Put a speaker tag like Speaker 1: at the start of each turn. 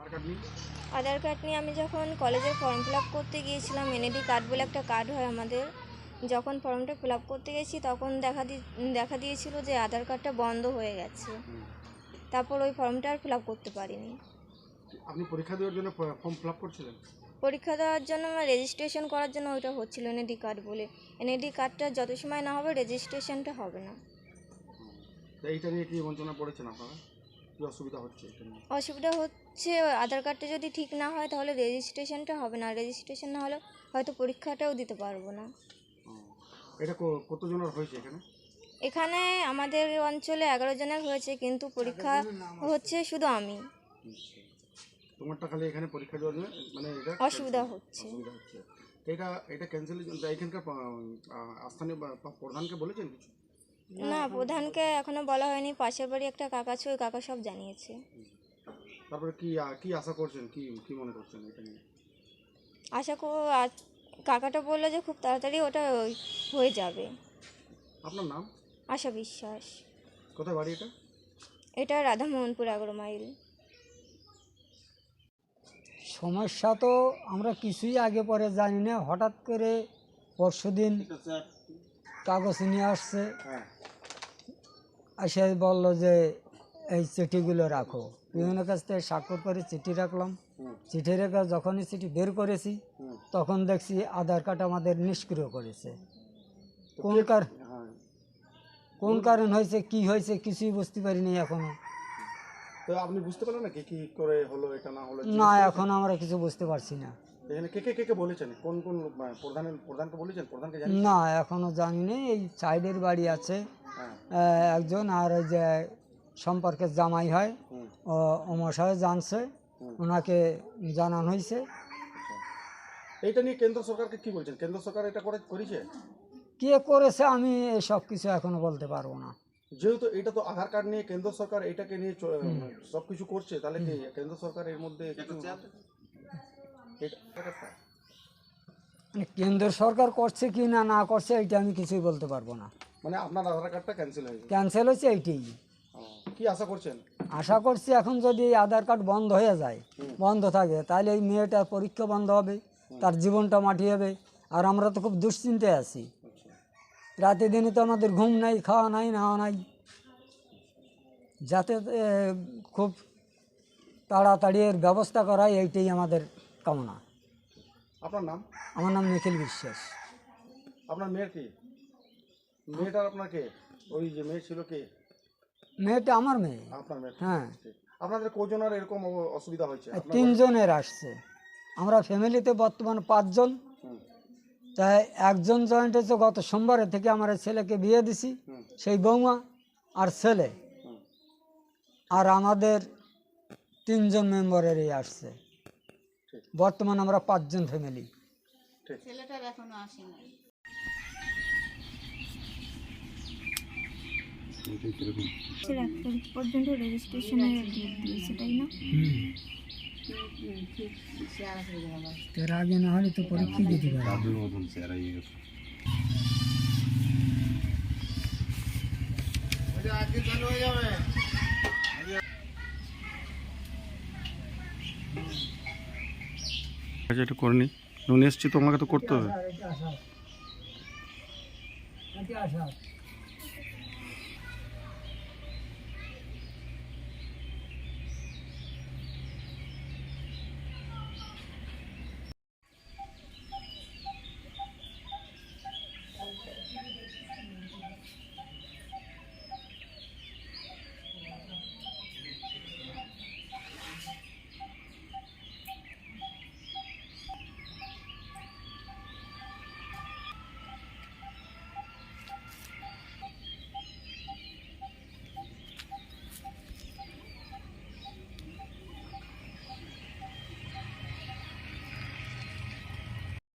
Speaker 1: আধার card নিয়ে আমি যখন কলেজের ফর্ম ফিল আপ করতে গিয়েছিলাম, এনআইডি কার্ড বলে একটা কার্ড হয় আমাদের। যখন ফর্মটা ফিল আপ করতে গেছি তখন দেখা দিয়েছিল যে আধার কার্ডটা বন্ধ হয়ে গেছে। তারপর ওই ফর্মটা আর ফিল আপ করতে পারিনি।
Speaker 2: আপনি পরীক্ষা দেওয়ার জন্য ফর্ম ফিল আপ করছিলেন?
Speaker 1: পরীক্ষা দেওয়ার জন্য আমার রেজিস্ট্রেশন করার জন্য ওইটা হচ্ছিল এনআইডি কার্ড বলে। এনআইডি কার্ডটা যত সময় না হবে রেজিস্ট্রেশনটা হবে না।
Speaker 2: এইটা নিয়ে কি বঞ্চনা পড়েছেন আপনারা? কি অসুবিধা হচ্ছে এটা নিয়ে?
Speaker 1: অসুবিধা হচ্ছে, আধার কার্ডটা যদি ঠিক না হয় তাহলে রেজিস্ট্রেশনটা হবে না। রেজিস্ট্রেশন না হলে হয়তো পরীক্ষাটাও দিতে পারবো না।
Speaker 2: এটা কতজনের হয়েছে এখানে?
Speaker 1: এখানে আমাদের অঞ্চলে 11 জনের হয়েছে, কিন্তু পরীক্ষা হচ্ছে শুধু আমি।
Speaker 2: তোমারটা খালি এখানে পরীক্ষা দেওয়ার জন্য মানে এটা
Speaker 1: অসুবিধা হচ্ছে।
Speaker 2: এটা ক্যান্সেল এখানকার স্থানীয় প্রধানকে বলেছেন কিছু?
Speaker 1: না, প্রধানকে এখনো বলা হয়নি। পাশের বাড়ি একটা কাকা আছে, ওই কাকা সব জানিয়েছে।
Speaker 2: তারপরে কি আশা করছেন, কি মনে করছেন এটা নিয়ে?
Speaker 1: কাকাটা বললো যে খুব তাড়াতাড়ি ওটা হয়ে যাবে।
Speaker 2: আপনার নাম?
Speaker 1: আশা বিশ্বাস।
Speaker 2: কোথায় বাড়ি এটা?
Speaker 1: এটা রাধামোহনপুর 11 মাইল।
Speaker 3: সমস্যা তো আমরা কিছুই আগে পরে জানি না, হঠাৎ করে পরশুদিন কাগজ নিয়ে আসছে, এসে বললো যে এই চিঠিগুলো রাখো। বিভিন্ন কাছ থেকে স্বাক্ষর করে চিঠি রাখলাম। চিঠি রেখে যখনই চিঠি বের করেছি তখন দেখছি আধার কার্ড আমাদের নিষ্ক্রিয় করেছে। কোন কারণ হয়েছে, কি হয়েছে কিছুই বুঝতে পারিনি এখনো।
Speaker 2: তো আপনি বুঝতে পারলেন না কি করে হলো, এটা না হলো?
Speaker 3: না, এখন আমরা কিছু বুঝতে পারছি না।
Speaker 2: এখানে কে বলেছেন? কোন প্রধানকে বলেছেন? প্রধানকে জানেন?
Speaker 3: না, এখনো জানি না। এই সাইডের বাড়ি আছে একজন, আর ওই যে সম্পর্কের জামাই হয় ও মশাই জানছে, ওনাকে জানানো হয়েছে।
Speaker 2: এইটা নিয়ে কেন্দ্র সরকারকে কি বলছেন? কেন্দ্র সরকার এটা করেছে?
Speaker 3: কে করেছে আমি সব কিছু এখনো বলতে পারবো না।
Speaker 2: যেহেতু এটা তো আধার কার্ড নিয়ে কেন্দ্র সরকার এটাকে নিয়ে সবকিছু করছে, তাহলে কি কেন্দ্র সরকার এর মধ্যে
Speaker 3: মানে কেন্দ্র সরকার করছে কি না করছে এটা আমি কিছুই বলতে পারবো না।
Speaker 2: মানে আপনার আধার কার্ডটা
Speaker 3: ক্যান্সেল হয়েছে এইটাই।
Speaker 2: কি আশা করছেন?
Speaker 3: আশা করছি এখন যদি এই আধার কার্ড বন্ধ হয়ে যায়, বন্ধ থাকে, তাহলে এই মেয়েটার পরীক্ষা বন্ধ হবে, তার জীবনটা মাটি হবে। আর আমরা তো খুব দুশ্চিন্তায় আছি, রাতে দিনে তো আমাদের ঘুম নাই, খাওয়া নাই, নাওয়া নাই। যাতে খুব তাড়াতাড়ি এর ব্যবস্থা করাই এইটাই আমাদের কামনা।
Speaker 2: আপনার নাম?
Speaker 3: আমার নাম নিখিল বিশ্বাস।
Speaker 2: আপনার মেয়ের কি? মেয়েটার আপনার কে? ওই যে মেয়ে ছিল কে?
Speaker 3: মেয়েটা আমার মেয়ে।
Speaker 2: আপনার মেয়ে?
Speaker 3: হ্যাঁ।
Speaker 2: আপনাদের কজনের এরকম অসুবিধা হয়েছে?
Speaker 3: 3 জনের আসছে। আমরা ফ্যামিলিতে বর্তমান 5 জন। তাই একজন জয়েন্ট হয়েছে গত সোমবারে থেকে। আমার ছেলেকে বিয়ে দিছি, সেই বৌমা আর ছেলে, আর আমাদের 3 জন মেম্বারেরই আসছে। বর্তমান আমরা 5 জন ফ্যামিলি।
Speaker 4: ছেলেটার এখনো আসেনি।
Speaker 1: ছেলে 1 তারিখ পর্যন্ত রেজিস্ট্রেশনের ডেট দিয়েছে, তাই না?
Speaker 3: এর আগে না হলে তো পরীক্ষা দিতে পারবে।
Speaker 2: এটা করিনি, নুন এসছি, তোমাকে তো করতে হবে।
Speaker 3: আচ্ছা।